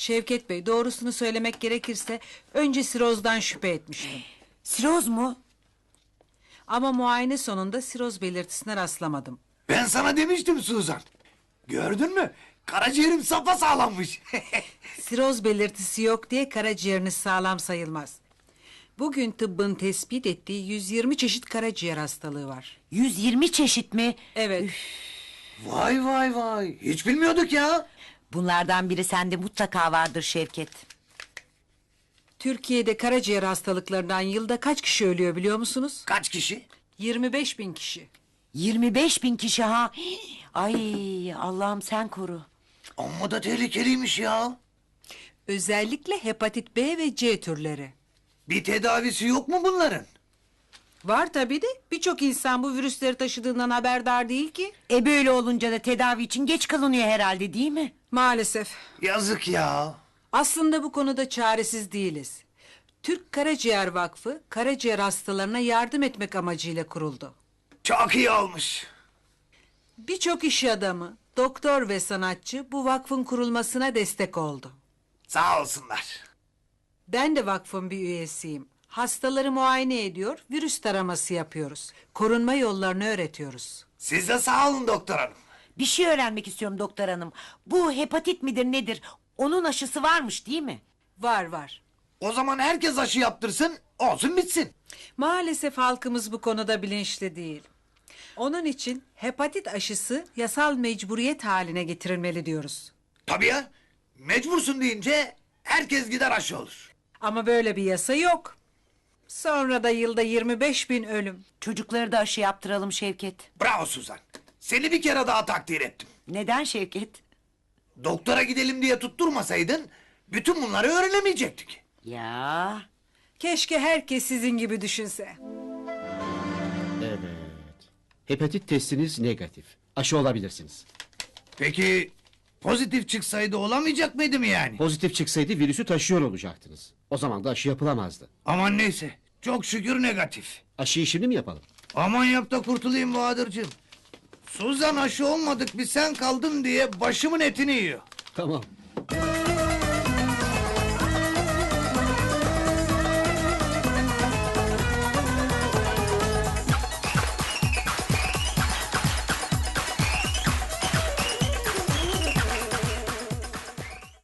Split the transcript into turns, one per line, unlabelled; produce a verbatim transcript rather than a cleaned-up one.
Şevket Bey, doğrusunu söylemek gerekirse önce sirozdan şüphe etmiştim.
Siroz mu?
Ama muayene sonunda siroz belirtisine rastlamadım.
Ben sana demiştim Suzan. Gördün mü? Karaciğerim sapasağlammış.
Siroz belirtisi yok diye karaciğeriniz sağlam sayılmaz. Bugün tıbbın tespit ettiği yüz yirmi çeşit karaciğer hastalığı var.
yüz yirmi çeşit mi?
Evet.
Vay vay vay. Hiç bilmiyorduk ya.
Bunlardan biri sende mutlaka vardır Şevket.
Türkiye'de karaciğer hastalıklarından yılda kaç kişi ölüyor biliyor musunuz?
Kaç kişi?
yirmi beş bin kişi.
yirmi beş bin kişi ha. Ay Allah'ım sen koru.
Amma da tehlikeliymiş ya.
Özellikle hepatit B ve C türleri.
Bir tedavisi yok mu bunların?
Var tabii de birçok insan bu virüsleri taşıdığından haberdar değil ki.
E böyle olunca da tedavi için geç kalınıyor herhalde değil mi?
Maalesef.
Yazık ya.
Aslında bu konuda çaresiz değiliz. Türk Karaciğer Vakfı, karaciğer hastalarına yardım etmek amacıyla kuruldu.
Çok iyi olmuş.
Birçok iş adamı, doktor ve sanatçı bu vakfın kurulmasına destek oldu.
Sağ olsunlar.
Ben de vakfın bir üyesiyim. Hastaları muayene ediyor, virüs taraması yapıyoruz. Korunma yollarını öğretiyoruz.
Siz de sağ olun doktor hanım.
Bir şey öğrenmek istiyorum doktor hanım. Bu hepatit midir nedir? Onun aşısı varmış değil mi?
Var var.
O zaman herkes aşı yaptırsın, olsun bitsin.
Maalesef halkımız bu konuda bilinçli değil. Onun için hepatit aşısı yasal mecburiyet haline getirilmeli diyoruz.
Tabii ya. Mecbursun deyince herkes gider aşı olur.
Ama böyle bir yasa yok. Sonra da yılda yirmi beş bin ölüm.
Çocukları da aşı yaptıralım Şevket.
Bravo Suzan. Seni bir kere daha takdir ettim.
Neden Şevket?
Doktora gidelim diye tutturmasaydın bütün bunları öğrenemeyecektik.
Ya
Keşke herkes sizin gibi düşünse.
Evet. Hepatit testiniz negatif. Aşı olabilirsiniz.
Peki pozitif çıksaydı olamayacak mıydı mı yani?
Pozitif çıksaydı virüsü taşıyor olacaktınız. O zaman da aşı yapılamazdı.
Aman neyse. Çok şükür negatif.
Aşıyı şimdi mi yapalım?
Aman yap da kurtulayım Bahadır'cığım. Suzan aşı olmadık bir sen kaldın diye başımın etini yiyor.
Tamam.